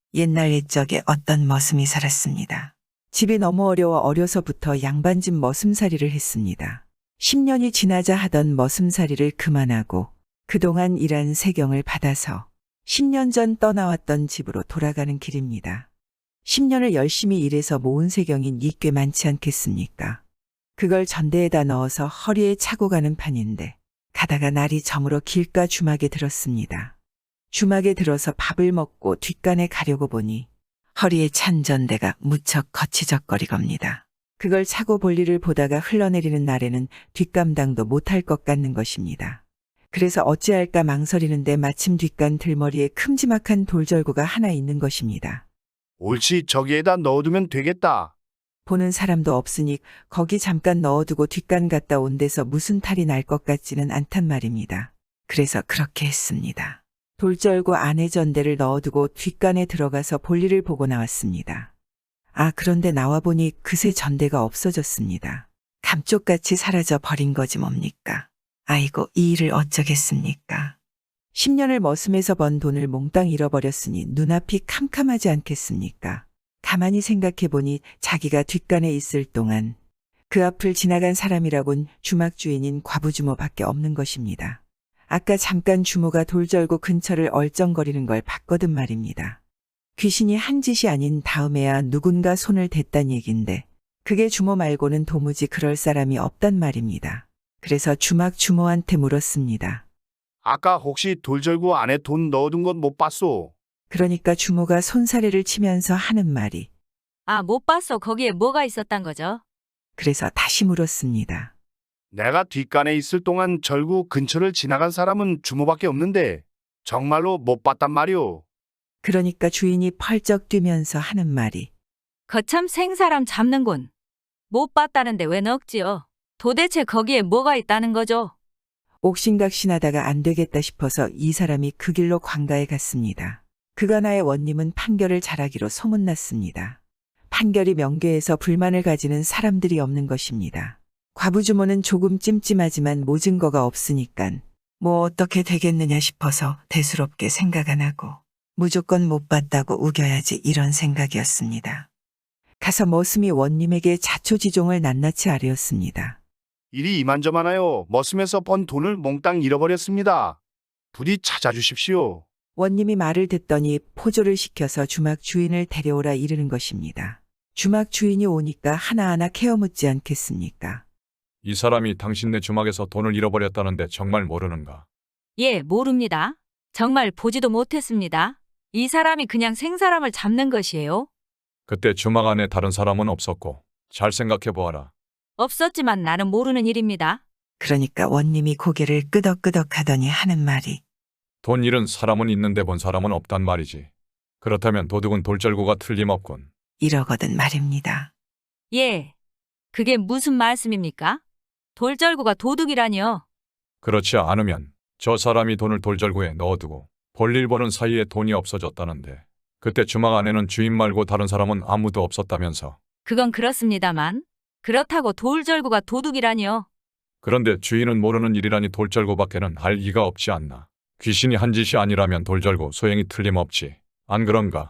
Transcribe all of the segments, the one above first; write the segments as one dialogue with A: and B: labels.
A: 옛날 옛적에 어떤 머슴이 살았습니다. 집이 너무 어려서부터 양반집 머슴살이를 했습니다. 10년이 지나자 하던 머슴살이를 그만하고 그동안 일한 세경을 받아서 10년 전 떠나왔던 집으로 돌아가는 길입니다. 10년을 열심히 일해서 모은 세경이 꽤 많지 않겠습니까? 그걸 전대에다 넣어서 허리에 차고 가는 판인데 가다가 날이 저물어 길가 주막에 들었습니다. 주막에 들어서 밥을 먹고 뒷간에 가려고 보니 허리에 찬 전대가 무척 거치적거리겁니다. 그걸 차고 볼 일을 보다가 흘러내리는 날에는 뒷감당도 못할 것 같는 것입니다. 그래서 어찌할까 망설이는데 마침 뒷간 들머리에 큼지막한 돌절구가 하나 있는 것입니다.
B: 옳지, 저기에다 넣어두면 되겠다.
A: 보는 사람도 없으니 거기 잠깐 넣어두고 뒷간 갔다 온 데서 무슨 탈이 날 것 같지는 않단 말입니다. 그래서 그렇게 했습니다. 돌절구 안에 전대를 넣어두고 뒷간에 들어가서 볼일을 보고 나왔습니다. 그런데 나와보니 그새 전대가 없어졌습니다. 감쪽같이 사라져 버린 거지 뭡니까? 아이고, 이 일을 어쩌겠습니까? 10년을 머슴에서 번 돈을 몽땅 잃어버렸으니 눈앞이 캄캄하지 않겠습니까? 가만히 생각해보니 자기가 뒷간에 있을 동안 그 앞을 지나간 사람이라곤 주막 주인인 과부주모밖에 없는 것입니다. 아까 잠깐 주모가 돌절구 근처를 얼쩡거리는 걸 봤거든 말입니다. 귀신이 한 짓이 아닌 다음에야 누군가 손을 댔단 얘긴데 그게 주모 말고는 도무지 그럴 사람이 없단 말입니다. 그래서 주막 주모한테 물었습니다.
B: 아까 혹시 돌절구 안에 돈 넣어둔 건 못 봤소?
A: 그러니까 주모가 손사래를 치면서 하는 말이
C: 못 봤어. 거기에 뭐가 있었단 거죠?
A: 그래서 다시 물었습니다.
B: 내가 뒷간에 있을 동안 절구 근처를 지나간 사람은 주모밖에 없는데 정말로 못 봤단 말이오.
A: 그러니까 주인이 펄쩍 뛰면서 하는 말이
C: 거참 생사람 잡는군. 못 봤다는데 왜 넣었지요? 도대체 거기에 뭐가 있다는 거죠?
A: 옥신각신하다가 안 되겠다 싶어서 이 사람이 그 길로 관가에 갔습니다. 그간하의 원님은 판결을 잘하기로 소문났습니다. 판결이 명계에서 불만을 가지는 사람들이 없는 것입니다. 과부주모는 조금 찜찜하지만 모증거가 없으니깐 뭐 어떻게 되겠느냐 싶어서 대수롭게 생각 안 하고 무조건 못 봤다고 우겨야지 이런 생각이었습니다. 가서 머슴이 원님에게 자초지종을 낱낱이 아뢰었습니다.
B: 일이 이만저만하여 머슴에서 번 돈을 몽땅 잃어버렸습니다. 부디 찾아주십시오.
A: 원님이 말을 듣더니 포조를 시켜서 주막 주인을 데려오라 이르는 것입니다. 주막 주인이 오니까 하나하나 케어묻지 않겠습니까?
D: 이 사람이 당신네 주막에서 돈을 잃어버렸다는데 정말 모르는가?
C: 예, 모릅니다. 정말 보지도 못했습니다. 이 사람이 그냥 생사람을 잡는 것이에요.
D: 그때 주막 안에 다른 사람은 없었고 잘 생각해 보아라.
C: 없었지만 나는 모르는 일입니다.
A: 그러니까 원님이 고개를 끄덕끄덕 하더니 하는 말이
D: 돈 잃은 사람은 있는데 본 사람은 없단 말이지. 그렇다면 도둑은 돌절구가 틀림없군.
A: 이러거든 말입니다.
C: 예. 그게 무슨 말씀입니까? 돌절구가 도둑이라니요.
D: 그렇지 않으면 저 사람이 돈을 돌절구에 넣어두고 볼일 보는 사이에 돈이 없어졌다는데 그때 주막 안에는 주인 말고 다른 사람은 아무도 없었다면서.
C: 그건 그렇습니다만 그렇다고 돌절구가 도둑이라니요.
D: 그런데 주인은 모르는 일이라니 돌절구밖에는 알 리가 없지 않나. 귀신이 한 짓이 아니라면 돌절구 소행이 틀림없지. 안 그런가?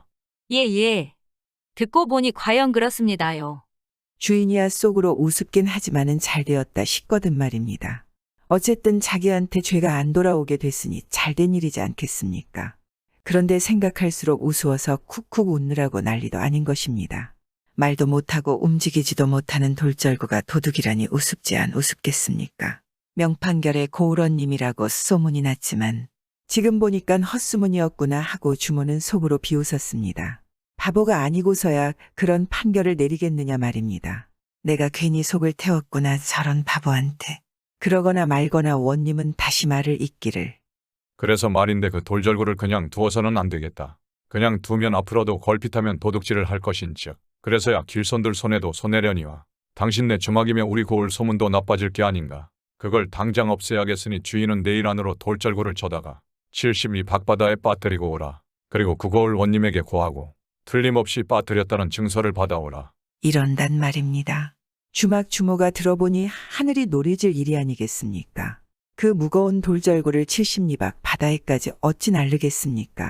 C: 예. 듣고 보니 과연 그렇습니다요.
A: 주인이야 속으로 우습긴 하지만은 잘 되었다 싶거든 말입니다. 어쨌든 자기한테 죄가 안 돌아오게 됐으니 잘된 일이지 않겠습니까? 그런데 생각할수록 우스워서 쿡쿡 웃느라고 난리도 아닌 것입니다. 말도 못하고 움직이지도 못하는 돌절구가 도둑이라니 우습지 안 우습겠습니까? 명판결에 고울원님이라고 소문이 났지만 지금 보니깐 헛소문이었구나 하고 주모는 속으로 비웃었습니다. 바보가 아니고서야 그런 판결을 내리겠느냐 말입니다. 내가 괜히 속을 태웠구나 저런 바보한테. 그러거나 말거나 원님은 다시 말을 잇기를.
D: 그래서 말인데 그 돌절구를 그냥 두어서는 안 되겠다. 그냥 두면 앞으로도 걸핏하면 도둑질을 할 것인즉 그래서야 길손들 손에도 손해려니와 당신네 주막이며 우리 고을 소문도 나빠질 게 아닌가. 그걸 당장 없애야겠으니 주인은 내일 안으로 돌절구를 쳐다가 70리 밖바다에 빠뜨리고 오라. 그리고 그 고을 원님에게 고하고 틀림없이 빠뜨렸다는 증서를 받아오라.
A: 이런단 말입니다. 주막 주모가 들어보니 하늘이 노래질 일이 아니겠습니까? 그 무거운 돌절구를 70리 밖 바다에까지 어찌 날르겠습니까?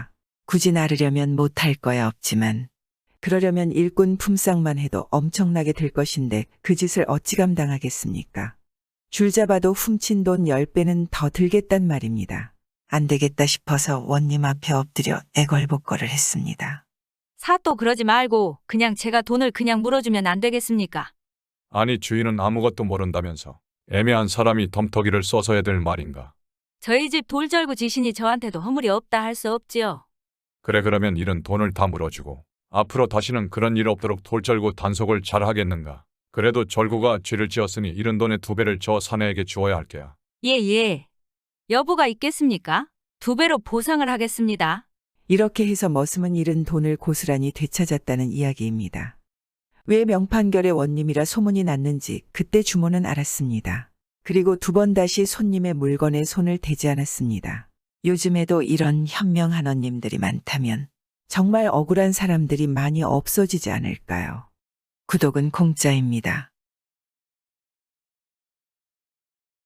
A: 굳이 나르려면 못할 거야 없지만 그러려면 일꾼 품삯만 해도 엄청나게 들 것인데 그 짓을 어찌 감당하겠습니까? 줄 잡아도 훔친 돈 10배는 더 들겠단 말입니다. 안 되겠다 싶어서 원님 앞에 엎드려 애걸복걸을 했습니다.
C: 사또 그러지 말고 그냥 제가 돈을 그냥 물어주면 안 되겠습니까?
D: 아니 주인은 아무것도 모른다면서 애매한 사람이 덤터기를 써서 해야 될 말인가.
C: 저희 집 돌절구 지신이 저한테도 허물이 없다 할 수 없지요.
D: 그래 그러면 이런 돈을 다 물어주고 앞으로 다시는 그런 일 없도록 돌절구 단속을 잘 하겠는가. 그래도 절구가 죄를 지었으니 이런 돈의 2배를 저 사내에게 주어야 할 게야.
C: 예. 여부가 있겠습니까? 2배로 보상을 하겠습니다.
A: 이렇게 해서 머슴은 잃은 돈을 고스란히 되찾았다는 이야기입니다. 왜 명판결의 원님이라 소문이 났는지 그때 주모는 알았습니다. 그리고 2번 다시 손님의 물건에 손을 대지 않았습니다. 요즘에도 이런 현명한 원님들이 많다면 정말 억울한 사람들이 많이 없어지지 않을까요? 구독은 공짜입니다.